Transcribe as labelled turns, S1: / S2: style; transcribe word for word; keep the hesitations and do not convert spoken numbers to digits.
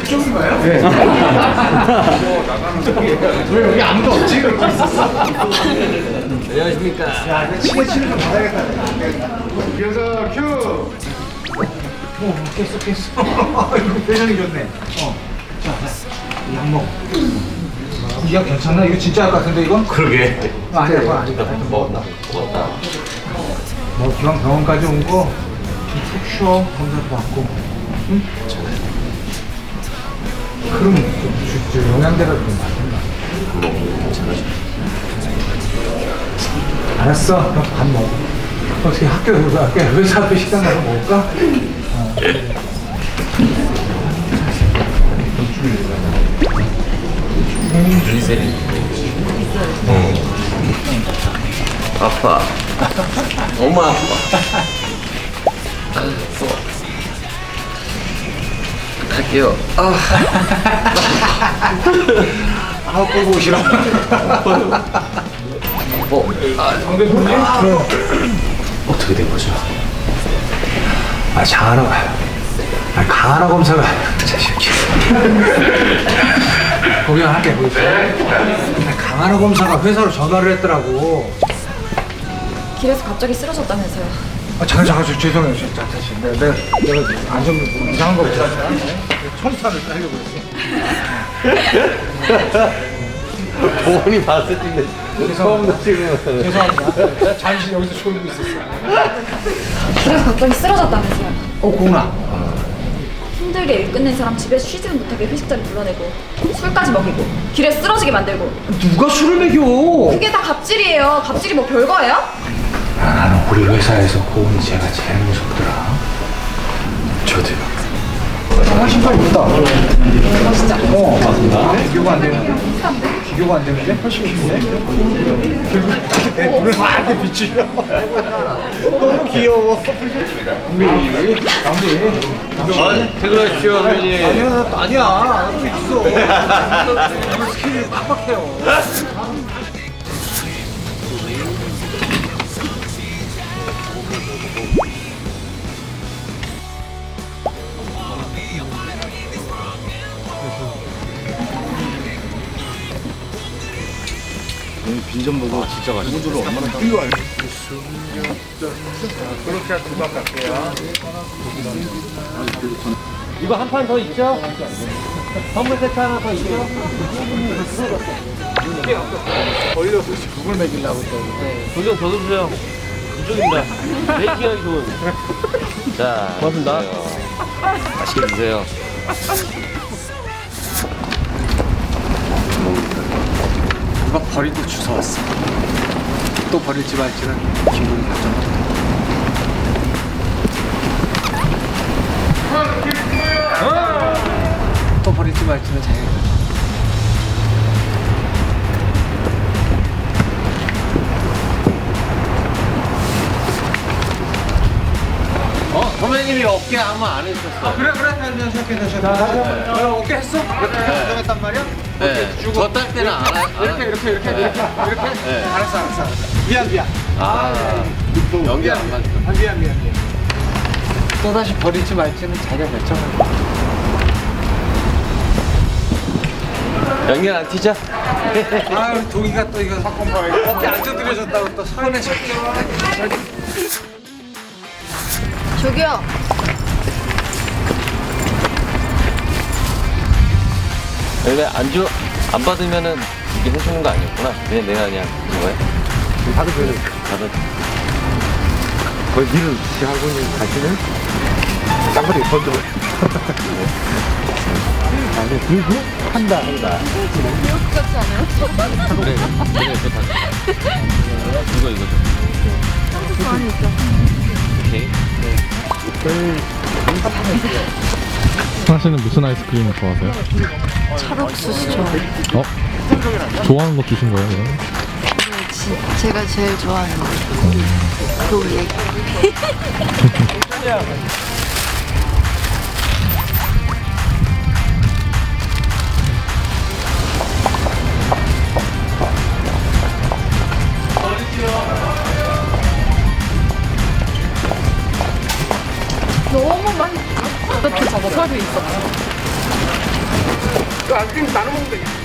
S1: 그쪽인가요? 네. 왜 여기 아무도 없지? 그러고 있었어.
S2: 안녕하십니까.
S1: 야, 내 치게 치는 좀 받아야겠다. 그래서 큐. 오, 깼어, 깼어. 이거 표정이 좋네. 어. 자, 약 먹어. 이거 괜찮나? 이거 진짜 할 것 같은데, 이건?
S2: 그러게.
S1: 아, 아니야, 그건 아니다. 하여튼 먹었다.
S2: 먹었다.
S1: 뭐, 기왕 병원까지 온 거, 좀 푹 쉬어. 검사도 받고. 응? 그럼, 좀, 저, 저 영양제가 좀 맞는다. 알았어. 그럼 밥 먹어. 어떻게 학교, 학교, 회사 앞에 식당 가서 먹을까? 어.
S2: 리세린. 어. 아파. 너무 아파. 알았어. 갈게요. 아.
S1: 아, 보고 오시라.
S2: 뭐, 아,
S1: 정대표님?
S2: 어떻게 된 거죠?
S1: 아, 장하나, 아, 강하나 검사가, 자식이. 구경할게, 보이세요? 강하나 검사가 회사로 전화를 했더라고.
S3: 길에서 갑자기 쓰러졌다면서요.
S1: 아, 잠깐, 잠깐, 저, 죄송해요. 진짜, 다시. 내가, 내가, 내가 안전 이상한 거 보다. 청산을 하려고 그랬어.
S2: 보원이 봤을 텐데 처음 찍으면
S1: 죄송합니다. 잠시 여기서 졸고 있었어.
S3: 길에서 갑자기 쓰러졌다면서요.
S1: 어, 구나.
S3: 힘들게 일 끝낸 사람 집에 쉬지는 못하게 회식자를 불러내고 술까지 먹이고 길에 쓰러지게 만들고.
S1: 누가 술을 먹여?
S3: 그게 다 갑질이에요. 갑질이 뭐 별거예요?
S1: 아, 나는 우리 회사에서 고은이 제가 제일 무섭더라.
S2: 저도요.
S1: 아, 신발 있다.
S3: 진짜.
S1: 어, 맞습니다. 비교가 안 되는데? 비교가 안 되는데? 훨씬 좋은데? 결국 내 눈을 이렇게 비추려. 너무 귀여워. 우리, 남기.
S2: 아, 퇴근하십시오, 선배님.
S1: 아니야, 나 또 아니야. 나도 있어. 오늘 스킬이 빡빡해요.
S2: 빈전보고 진짜 맛있어. 이거 얼마나
S1: 이거 그렇게 두박 갈게요.
S2: 이거 한 판 더 있죠? 선물 세트 하나 더 있죠?
S1: 걸려서 죽을 먹이려고 또.
S2: 도전 더 주세요. 이쪽입니다. 베이킹하기 좋은. 자, 고맙습니다. 맛있게 드세요.
S1: 누가 버리고 주워왔어. 또 버릴지 말지는 기분이 결정한다. 또 버릴지 말지는 자기가 결정.
S2: 어? 선배님이 어깨 아무 안 해주셨어.
S1: 그래 그래 그래 시작해 시작해. 어깨 했어? 그렇게 했단 말이야?
S2: 네. 저 딸 때는 안 하.
S1: 이렇게 이렇게 이렇게 이렇게 이렇게.
S2: 네.
S1: 알았어 알았어. 알았어. 미안 미안.
S2: 아, 연기 안 맞죠.
S1: 아, 미안 미안 미안. 또 다시 버릴지 말지는 자기가 결정할 거야.
S2: 연기 안 튀죠?
S1: 아유 동이가 또 이거 사건 봐요. 어깨 안 두드려졌다고 또 손에 잡혀.
S3: 저기요.
S2: 왜 안주 안 받으면은 이게 해주는 거 아니었구나. 그냥 내가 그냥 이거야.
S1: 받으세요.
S2: 받아.
S1: 거의 일을 시작하고 있는 가시는 쌍거리 번져. 아니 그리고 한다 한다.
S3: 같지 않아요?
S2: 그래, 그래, 그거 다. 이거 이거.
S3: 한국 안에 있죠.
S2: 오케이.
S4: 하시는 무슨 아이스크림 좋아하세요?
S3: 찰옥수수 좋아.
S4: 어? 좋아하는 거 주신 거예요, 그럼?
S3: 제가 제일 좋아하는 거. 그 얘기. 너무 맛있어. 어떻게 저거 설비 있었어?
S1: 그 아이스크림 나눠 먹으면 되겠다.